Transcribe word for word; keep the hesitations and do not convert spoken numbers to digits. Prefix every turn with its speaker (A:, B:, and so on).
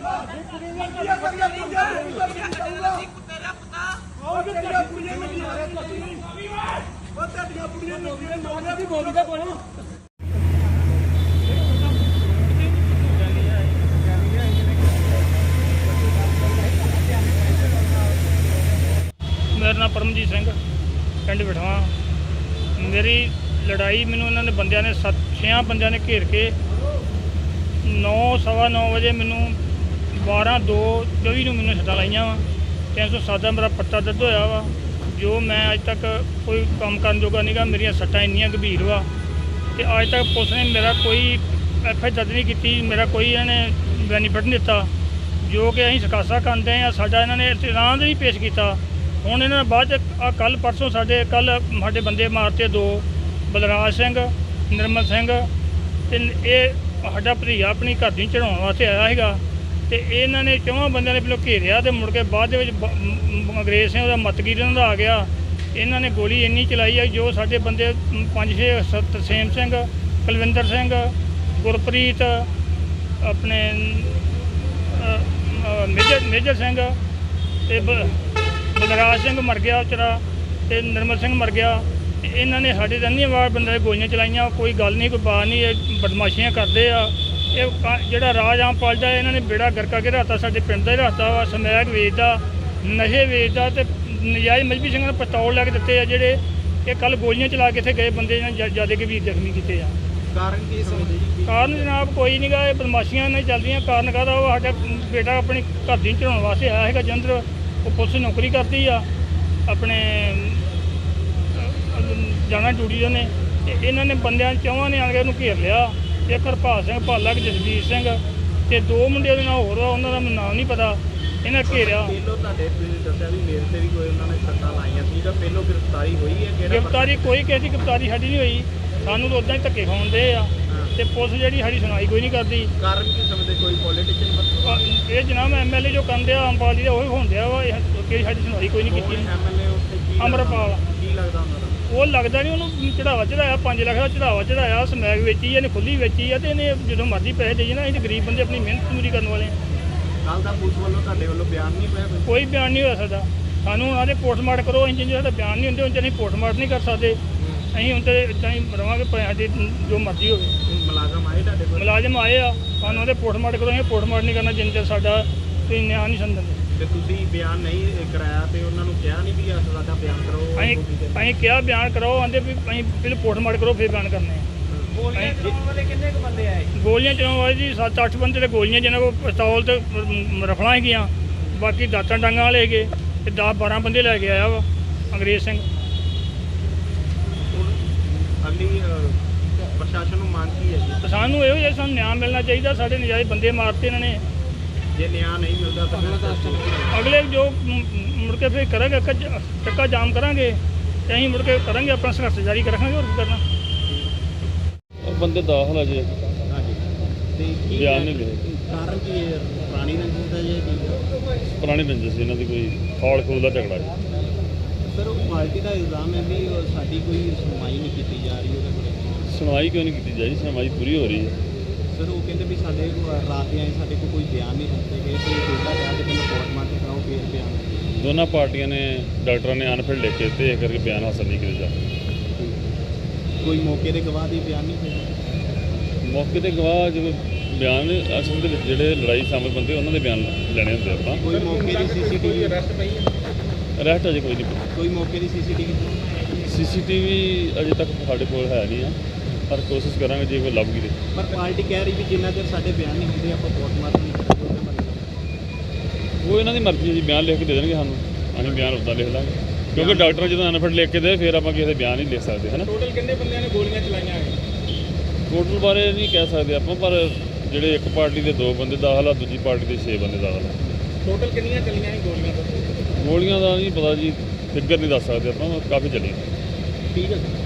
A: मेरा नाम परमजीत सिंह पिंड बिठवा। मेरी लड़ाई मैनू इन्होंने बंदियां ने सत छे बंदियां ने घेर के नौ सवा नौ बजे मैनू बारह दो चौबी नूं मैनू सट्टां लाइयां वा। तीन सौ सत्त मेरा पट्टा दर्द होया वा जो मैं अज तक कोई काम करन जोगा नहीं गा। मेरिया सट्टां इन्नियां गंभीर वा ते अज तक पुलिस ने मेरा कोई एफ आई दर्ज नहीं की, मेरा कोई इन्होंने बेनीफिट नहीं दिता जो कि असीं सकासा करते हैं। साडा इन्होंने इतराम नहीं पेश किया। हुण इन्होंने बाद आ कल परसों साडे कल साडे बंदे मारते दो, बलराज सिंह, निर्मल सिंह ते ये साडा भतीजा अपनी घर दी चढ़ाउण वास्ते आया हैगा ते इन्होंने चौहां बंदियां ने पहलों घेरिया ते मुड़ के बाद दे विच अंग्रेज सिंह दा मतगीर इन्हां दा आ गया। इन्होंने गोली इन्नी चलाई है जो साडे बंदे पंज छे तरसेम सिंह, कुलविंदर सिंह, गुरप्रीत, अपने मेजर मेजर सिंह ते बलराज सिंह मर गया चरा ते निर्मल सिंह मर गया। इन्होंने साढ़े अन्नी वार बंदे गोलियां चलाइया। कोई गल नहीं, कोई बात नहीं, बदमाशियां करते आ। ये जोड़ा राज आम पालदा इन्होंने बेड़ा गरका के रखता, साडे पिंड दा ही रखता वा। समैक वेचदा, नशे वेचदा ते नजायज़ मजहबी सिंह ने पिस्तौल लैके दिते आ जेडे ये कल गोलियां चला के इत्थे गए बंदे ज़्यादा गंभीर जख्मी किए आ।
B: कारण की समझदे जी?
A: कारण जनाब कोई नहीं गा, बदमाशियां नहीं चलदियां। कारण कहदा वो साडा बेटा अपनी घर दी चढ़ाउण वास्ते आया हैगा जलंधर, वो पुलिस नौकरी करती आ अपने जाना ड्यूटी ने। इन्होंने बंदियां चौहां ने आके उन्होंने घेर लिया। एक हरपाल सिंह भाला, एक जसवीर सिंह ते दो मुंडे दे नाम होर उन्होंने दा मैनूं नाम नहीं पता। इन्हें घेरिया।
B: पहलों तुहाडे तुसीं दस्सिया भी मेरे ते भी कोई उन्होंने सट्टां लाइयां सी तां पहलों गिरफ्तारी होई है?
A: गिरफ्तारी कोई किसी की गिरफ्तारी साडी नहीं हुई। सानूं तो उदां ही धक्के खाउण दे आ ते पुलिस जिहड़ी साडी सुनाई कोई नहीं करती।
B: कारण की समझदे? कोई पॉलिटिशियन
A: ये जनाब एम एल ए जो करन दिया आम पार्टी का वही होण दिया वा। कि साडी सुनाई कोई नहीं की।
B: एम एल ए उत्थे की
A: अमरपाल
B: की लगदा उन्हां दा?
A: वो लगता नहीं, उन्होंने चढ़ावा चढ़ाया पाँच लाख का चढ़ावा चढ़ाया। समैक वेची है, खुली वेची है, तो इन्हें जो मर्जी पैसे देइए ना। अं गरीब बंदे अपनी मेहनत पूरी करने वाले हैं।
B: कल का पुलिस वालों तुहाडे वालों बयान नहीं पाया?
A: कोई बयान नहीं हो सकता। सानू उन्होंने पोस्टमार्टम करो, अं जो बयान नहीं होंगे उनसे अं पोस्टमार्टम नहीं कर सकते। अं उनसे इदा ही रवांगे साडी जो मर्जी हो।
B: मुलाजम आए तुहाडे कोल?
A: मुलाजम आए आ, सानू पोस्टमार्टम करो, अं पोस्टमार्टम नहीं करना जिन चर साडा कोई न्याय नहीं समझते।
B: ਤੇ ਤੁਸੀਂ ਬਿਆਨ ਨਹੀਂ ਕਰਾਇਆ ਤੇ ਉਹਨਾਂ ਨੂੰ ਕਿਹਾ ਨਹੀਂ ਵੀ ਸਾਡਾ ਬਿਆਨ ਕਰੋ?
A: ਅਸੀਂ ਅਸੀਂ ਕਿਹਾ ਬਿਆਨ ਕਰੋ, ਆਂਦੇ ਵੀ ਅਸੀਂ ਪਹਿਲਾਂ ਪੋਸਟਮਾਰਟਮ ਕਰੋ ਫਿਰ ਬਿਆਨ ਕਰਨੇ ਆ।
B: ਗੋਲੀਆਂ ਚਲਾਉਣ ਵਾਲੇ ਕਿੰਨੇ ਕੁ ਬੰਦੇ ਆਏ?
A: ਗੋਲੀਆਂ ਚਲਾਉਣ ਵਾਲੇ ਜੀ ਸੱਤ ਅੱਠ ਬੰਦੇ ਤੇ ਗੋਲੀਆਂ ਜਿਹਨਾਂ ਕੋਲ ਪਿਸਤੌਲ ਤੇ ਰਫਲਾਂ ਹੈਗੀਆਂ, ਬਾਕੀ ਦਾਤਾਂ ਡਾਂਗਾਂ ਵਾਲੇ ਹੈਗੇ ਤੇ ਦਸ ਬਾਰਾਂ ਬੰਦੇ ਲੈ ਕੇ ਆਇਆ ਵਾ ਅੰਗਰੇਜ਼ ਸਿੰਘ।
B: ਅਗਲੀ ਪ੍ਰਸ਼ਾਸਨ ਨੂੰ ਮੰਗ ਕੀ ਹੈ ਜੀ?
A: ਸਾਨੂੰ ਇਹੋ ਜਿਹਾ ਸਾਨੂੰ ਨਿਆਂ ਮਿਲਣਾ ਚਾਹੀਦਾ। ਸਾਡੇ ਨਜਾਇਜ਼ ਬੰਦੇ ਮਾਰਤੇ ਇਹਨਾਂ ਨੇ।
B: ਜੇ ਨਿਆਂ ਨਹੀਂ ਮਿਲਦਾ ਤਾਂ
A: ਅਗਲੇ ਜੋ ਮੁੜ ਕੇ ਫਿਰ ਕਰਾਂਗੇ ਚੱਕਾ ਜਾਮ ਕਰਾਂਗੇ ਤੇ ਅਸੀਂ ਮੁੜ ਕੇ ਕਰਾਂਗੇ ਆਪਣਾ ਸੰਘਰਸ਼ ਜਾਰੀ ਰੱਖਾਂਗੇ। ਹੋਰ ਕੀ ਕਰਨਾ।
C: ਬੰਦੇ ਦਾਖਲ ਆ ਜੀ।
B: ਹਾਂਜੀ ਤੇ ਕੀ
C: ਬਿਆਨ ਨਹੀਂ ਲਿਖੇ।
B: ਕਾਰਨ ਕੀ ਹੈ? ਪੁਰਾਣੀ ਰੰਜਿਸ਼ ਦਾ ਜੀ?
C: ਪੁਰਾਣੀ ਰੰਜਿਸ਼ ਸੀ ਇਹਨਾਂ ਦੀ, ਕੋਈ ਖੌਲ ਖੂਲ ਦਾ ਝਗੜਾ ਜੀ।
B: ਸਰ ਉਹ ਪਾਰਟੀ ਦਾ ਇਲਜ਼ਾਮ ਹੈ ਵੀ ਸਾਡੀ ਕੋਈ ਸੁਣਵਾਈ ਨਹੀਂ ਕੀਤੀ ਜਾ ਰਹੀ ਉਹਦੇ ਬਾਰੇ।
C: ਸੁਣਵਾਈ ਕਿਉਂ ਨਹੀਂ ਕੀਤੀ ਜਾ ਰਹੀ? ਸੁਣਵਾਈ ਪੂਰੀ ਹੋ ਰਹੀ ਹੈ।
B: ਸਰ ਉਹ ਕਹਿੰਦੇ ਵੀ ਸਾਡੇ ਰਾਤ ਦੇ ਆਏ ਸਾਡੇ ਕੋਲ ਕੋਈ ਬਿਆਨ ਨਹੀਂ ਦਿੱਤੇ ਗਏ ਤੇ ਦੋਦਾ ਕਹਿ ਕੇ ਪਹਿਲਾਂ ਪੋਸਟਮਾਰਟਮ ਕਰਾਓ ਫਿਰ ਬਿਆਨ।
C: ਦੋਨਾਂ ਪਾਰਟੀਆਂ ਨੇ ਡਾਕਟਰਾਂ ਨੇ ਅਨਫਿਲ ਲਿਖ ਕੇ ਤੇ ਇਹ ਕਰਕੇ ਬਿਆਨ ਹਾਸਲ ਨਹੀਂ ਕੀਤੇ ਜਾ।
B: ਕੋਈ ਮੌਕੇ ਦੇ ਗਵਾਹ ਦੀ ਬਿਆਨ ਨਹੀਂ ਹੋਇਆ?
C: ਮੌਕੇ ਤੇ ਗਵਾਹ ਜਦੋਂ ਬਿਆਨ ਅਸਲ ਦੇ ਵਿੱਚ ਜਿਹੜੇ ਲੜਾਈ ਸ਼ਾਮਲ ਬੰਦੇ ਉਹਨਾਂ ਦੇ ਬਿਆਨ ਲੈਣੇ ਹੁੰਦੇ ਆਪਾਂ।
B: ਕੋਈ ਮੌਕੇ ਦੀ ਸੀਸੀਟੀਵੀ ਅਰੈਸਟ ਪਈ ਹੈ?
C: ਅਰੈਸਟ ਅਜੇ ਕੋਈ ਨਹੀਂ।
B: ਕੋਈ ਮੌਕੇ ਦੀ ਸੀਸੀਟੀਵੀ
C: ਸੀਸੀਟੀਵੀ ਅਜੇ ਤੱਕ ਸਾਡੇ ਕੋਲ ਹੈ ਨਹੀਂ ਆ, ਪਰ ਕੋਸ਼ਿਸ਼ ਕਰਾਂਗੇ ਜੇ ਕੋਈ ਲੱਭ ਗਈ।
B: ਪਰ ਪਾਰਟੀ ਕਹਿ ਰਹੀ ਵੀ ਜਿੰਨਾ ਚਿਰ ਸਾਡੇ ਬਿਆਨ ਨਹੀਂ ਹੁੰਦੇ ਆਪਾਂ ਪੋਸਟਮਾਰਟਮ ਨਹੀਂ ਕਰਾਂਗੇ ਉਹਦੇ ਬਾਰੇ।
C: ਉਹ ਇਹਨਾਂ ਦੀ ਮਰਜ਼ੀ ਹੈ ਜੀ, ਬਿਆਨ ਲਿਖ ਕੇ ਦੇ ਦੇਣਗੇ ਸਾਨੂੰ, ਅਸੀਂ ਬਿਆਨ ਉੱਦਾਂ ਲਿਖ ਲਾਂਗੇ। ਕਿਉਂਕਿ ਡਾਕਟਰ ਜਦੋਂ ਅਨਫਿਟ ਲਿਖ ਕੇ ਦੇ ਫਿਰ ਆਪਾਂ ਕਿਸੇ ਦੇ ਬਿਆਨ ਨਹੀਂ ਲਿਖ ਸਕਦੇ ਹੈ ਨਾ।
B: ਟੋਟਲ ਕਿੰਨੇ ਬੰਦਿਆਂ ਨੇ ਗੋਲੀਆਂ ਚਲਾਈਆਂ?
C: ਟੋਟਲ ਬਾਰੇ ਨਹੀਂ ਕਹਿ ਸਕਦੇ ਆਪਾਂ, ਪਰ ਜਿਹੜੇ ਇੱਕ ਪਾਰਟੀ ਦੇ ਦੋ ਬੰਦੇ ਦਾਖਲ ਆ, ਦੂਜੀ ਪਾਰਟੀ ਦੇ ਛੇ ਬੰਦੇ ਦਾਖਲ ਆ।
B: ਟੋਟਲ ਕਿੰਨੀਆਂ ਚੱਲੀਆਂ ਸੀ ਗੋਲੀਆਂ?
C: ਗੋਲੀਆਂ ਦਾ ਨਹੀਂ ਪਤਾ ਜੀ, ਫਿਗਰ ਨਹੀਂ ਦੱਸ ਸਕਦੇ ਆਪਾਂ, ਕਾਫੀ ਚੱਲੀਆਂ।
B: ਠੀਕ ਹੈ।